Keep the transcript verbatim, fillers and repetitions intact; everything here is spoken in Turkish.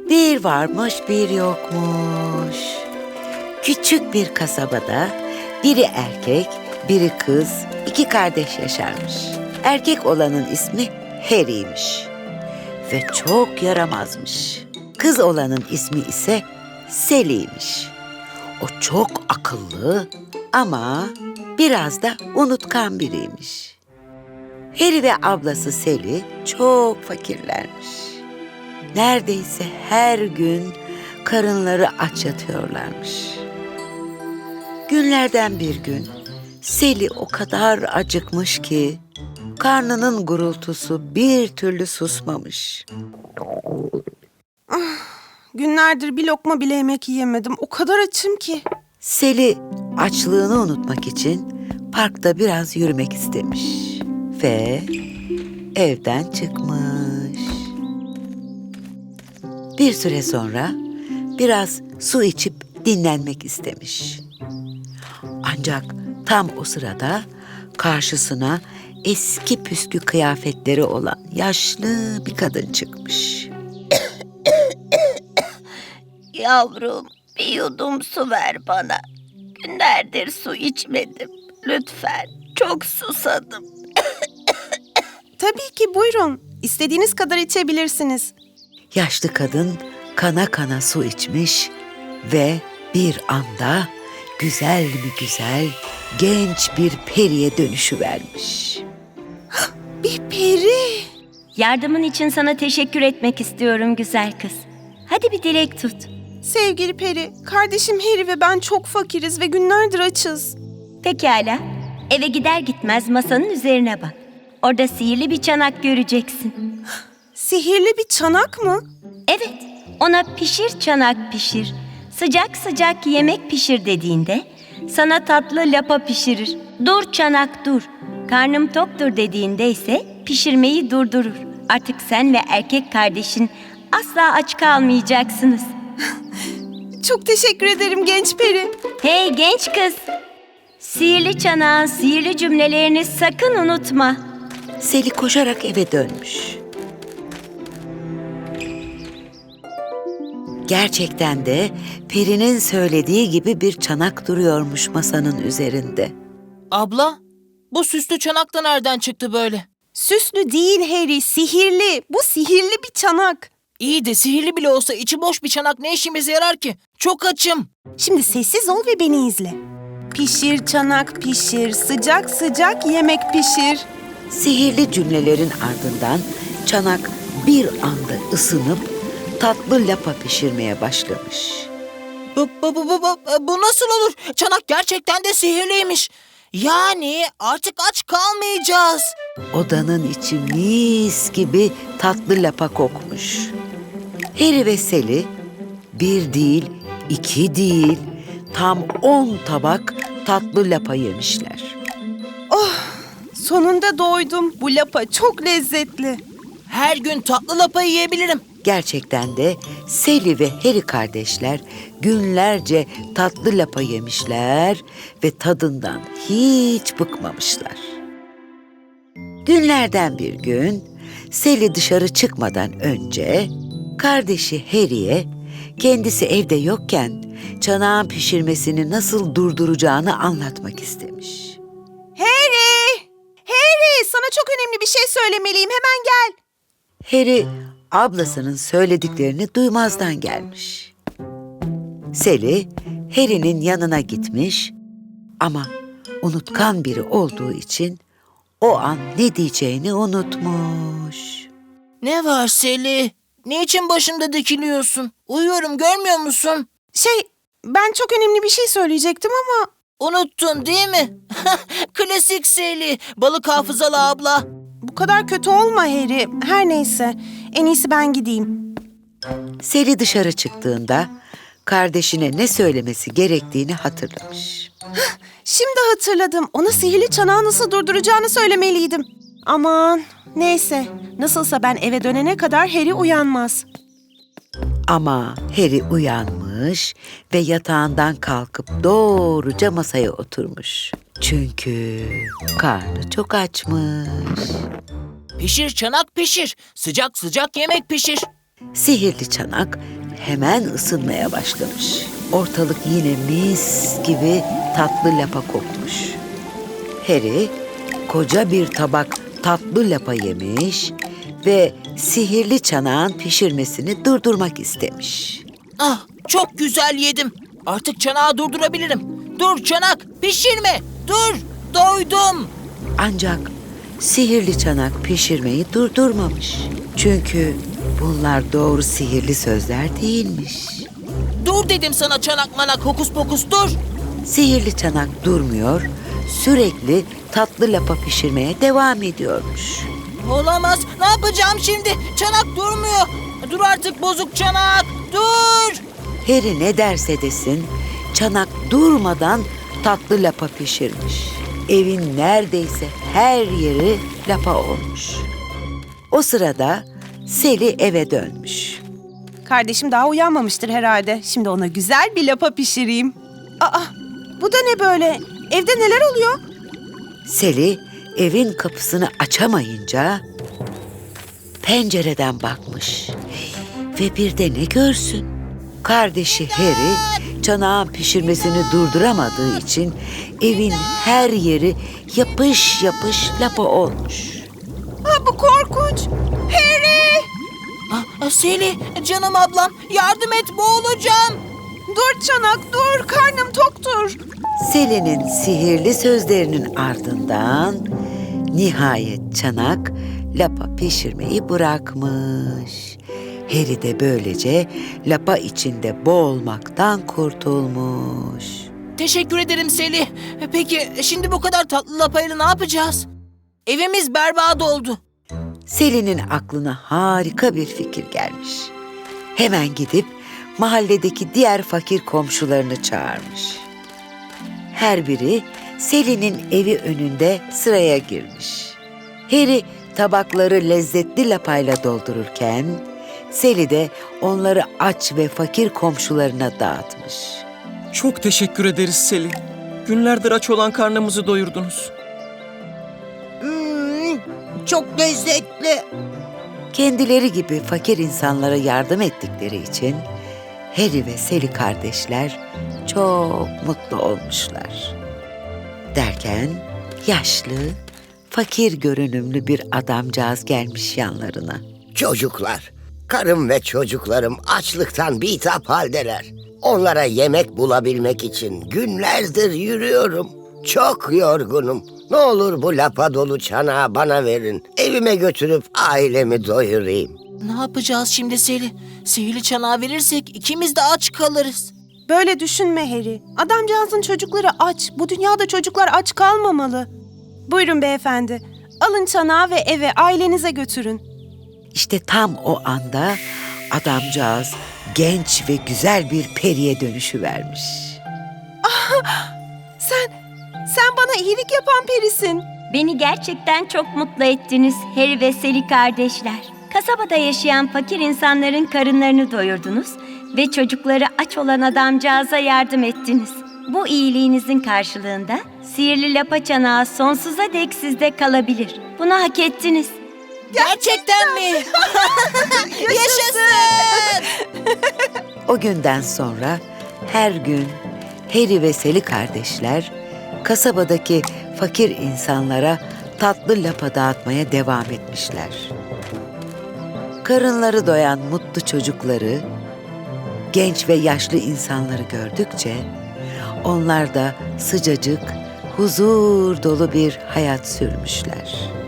Bir varmış bir yokmuş. Küçük bir kasabada biri erkek, biri kız, iki kardeş yaşarmış. Erkek olanın ismi Harry'ymiş ve çok yaramazmış. Kız olanın ismi ise Sally'ymiş. O çok akıllı ama biraz da unutkan biriymiş. Harry ve ablası Sally çok fakirlermiş. Neredeyse her gün karınları aç yatıyorlarmış. Günlerden bir gün Sally o kadar acıkmış ki karnının gurultusu bir türlü susmamış. Günlerdir bir lokma bile yemek yiyemedim. O kadar açım ki. Sally açlığını unutmak için parkta biraz yürümek istemiş ve evden çıkmış. Bir süre sonra biraz su içip dinlenmek istemiş. Ancak tam o sırada karşısına eski püskü kıyafetleri olan yaşlı bir kadın çıkmış. Yavrum, bir yudum su ver bana. Günlerdir su içmedim. Lütfen, çok susadım. Tabii ki, buyurun. İstediğiniz kadar içebilirsiniz. Yaşlı kadın kana kana su içmiş ve bir anda güzel mi güzel genç bir periye dönüşüvermiş. Bir peri. Yardımın için sana teşekkür etmek istiyorum güzel kız. Hadi bir dilek tut. Sevgili peri, kardeşim Harry ve ben çok fakiriz ve günlerdir açız. Pekala. Eve gider gitmez masanın üzerine bak. Orada sihirli bir çanak göreceksin. Sihirli bir çanak mı? Evet, ona pişir çanak pişir, sıcak sıcak yemek pişir dediğinde sana tatlı lapa pişirir. Dur çanak dur, karnım toktur dediğinde ise pişirmeyi durdurur. Artık sen ve erkek kardeşin asla aç kalmayacaksınız. Çok teşekkür ederim genç peri. Hey genç kız, sihirli çanağın sihirli cümlelerini sakın unutma. Sally koşarak eve dönmüş. Gerçekten de perinin söylediği gibi bir çanak duruyormuş masanın üzerinde. Abla, bu süslü çanak da nereden çıktı böyle? Süslü değil Harry, sihirli. Bu sihirli bir çanak. İyi de sihirli bile olsa içi boş bir çanak ne işimize yarar ki? Çok açım. Şimdi sessiz ol ve beni izle. Pişir çanak pişir, sıcak sıcak yemek pişir. Sihirli cümlelerin ardından çanak bir anda ısınıp tatlı lapa pişirmeye başlamış. Bu, bu, bu, bu, bu, bu nasıl olur? Çanak gerçekten de sihirliymiş. Yani artık aç kalmayacağız. Odanın içi mis gibi tatlı lapa kokmuş. Harry ve Sally bir değil, iki değil, tam on tabak tatlı lapa yemişler. Sonunda doydum. Bu lapa çok lezzetli. Her gün tatlı lapa yiyebilirim. Gerçekten de Sally ve Harry kardeşler günlerce tatlı lapa yemişler ve tadından hiç bıkmamışlar. Günlerden bir gün Sally dışarı çıkmadan önce kardeşi Harry'e kendisi evde yokken çanağın pişirmesini nasıl durduracağını anlatmak istemiş. Harry! Harry! Sana çok önemli bir şey söylemeliyim. Hemen gel. Harry ablasının söylediklerini duymazdan gelmiş. Sally Harry'nin yanına gitmiş ama unutkan biri olduğu için o an ne diyeceğini unutmuş. Ne var Sally? Niçin başımda dikiliyorsun? Uyuyorum, görmüyor musun? Şey, ben çok önemli bir şey söyleyecektim ama... Unuttun değil mi? Klasik Sally, balık hafızalı abla. Bu kadar kötü olma Harry. Her neyse, en iyisi ben gideyim. Sally dışarı çıktığında kardeşine ne söylemesi gerektiğini hatırlamış. Şimdi hatırladım. Ona sihirli çanağı nasıl durduracağını söylemeliydim. Aman, neyse. Nasılsa ben eve dönene kadar Harry uyanmaz. Ama Harry uyanmış ve yatağından kalkıp doğruca masaya oturmuş. Çünkü karnı çok açmış. Pişir çanak pişir, sıcak sıcak yemek pişir. Sihirli çanak hemen ısınmaya başlamış. Ortalık yine mis gibi tatlı lapa kokmuş. Harry koca bir tabak tatlı lapa yemiş ve sihirli çanağın pişirmesini durdurmak istemiş. Ah, çok güzel yedim. Artık çanağı durdurabilirim. Dur çanak, pişirme. Dur, doydum. Ancak sihirli çanak pişirmeyi durdurmamış. Çünkü bunlar doğru sihirli sözler değilmiş. Dur dedim sana çanak manak hokus pokus dur. Sihirli çanak durmuyor, sürekli tatlı lapa pişirmeye devam ediyormuş. Olamaz. Ne yapacağım şimdi? Çanak durmuyor. Dur artık bozuk çanak. Dur. Harry ne derse desin, çanak durmadan tatlı lapa pişirmiş. Evin neredeyse her yeri lapa olmuş. O sırada Sally eve dönmüş. Kardeşim daha uyanmamıştır herhalde. Şimdi ona güzel bir lapa pişireyim. Aa, bu da ne böyle? Evde neler oluyor? Sally evin kapısını açamayınca pencereden bakmış. Ve bir de ne görsün? Kardeşi Harry çanağın pişirmesini durduramadığı için evin her yeri yapış yapış lapa olmuş. Aa, bu korkunç. Harry! Ah, Seli, canım ablam yardım et boğulacağım. Dur çanak dur. Karnım toktur. Sally'nin sihirli sözlerinin ardından nihayet çanak lapa pişirmeyi bırakmış. Harry de böylece lapa içinde boğulmaktan kurtulmuş. Teşekkür ederim Seli. Peki şimdi bu kadar tatlı lapayla ne yapacağız? Evimiz berbat oldu. Sally'nin aklına harika bir fikir gelmiş. Hemen gidip mahalledeki diğer fakir komşularını çağırmış. Her biri Sally'nin evi önünde sıraya girmiş. Harry tabakları lezzetli lapayla doldururken Sally de onları aç ve fakir komşularına dağıtmış. Çok teşekkür ederiz Selin. Günlerdir aç olan karnımızı doyurdunuz. Çok lezzetli. Kendileri gibi fakir insanlara yardım ettikleri için Harry ve Sally kardeşler çok mutlu olmuşlar. Derken yaşlı, fakir görünümlü bir adamcağız gelmiş yanlarına. Çocuklar, karım ve çocuklarım açlıktan bitap haldeler. Onlara yemek bulabilmek için günlerdir yürüyorum. Çok yorgunum. Ne olur bu lapa dolu çanağı bana verin. Evime götürüp ailemi doyurayım. Ne yapacağız şimdi Seli? Sihirli çanağı verirsek ikimiz de aç kalırız. Böyle düşünme Harry. Adamcağızın çocukları aç. Bu dünyada çocuklar aç kalmamalı. Buyurun beyefendi. Alın çanağı ve eve ailenize götürün. İşte tam o anda adamcağız genç ve güzel bir periye dönüşüvermiş. Sen, sen bana iyilik yapan perisin. Beni gerçekten çok mutlu ettiniz Harry ve Sally kardeşler. Kasabada yaşayan fakir insanların karınlarını doyurdunuz ve çocukları aç olan adamcağıza yardım ettiniz. Bu iyiliğinizin karşılığında sihirli lapa çanağı sonsuza dek sizde kalabilir. Bunu hak ettiniz. Gerçekten mi? Yaşasın! O günden sonra her gün Harry ve Sally kardeşler kasabadaki fakir insanlara tatlı lapa dağıtmaya devam etmişler. Karınları doyan mutlu çocukları, genç ve yaşlı insanları gördükçe onlar da sıcacık, huzur dolu bir hayat sürmüşler.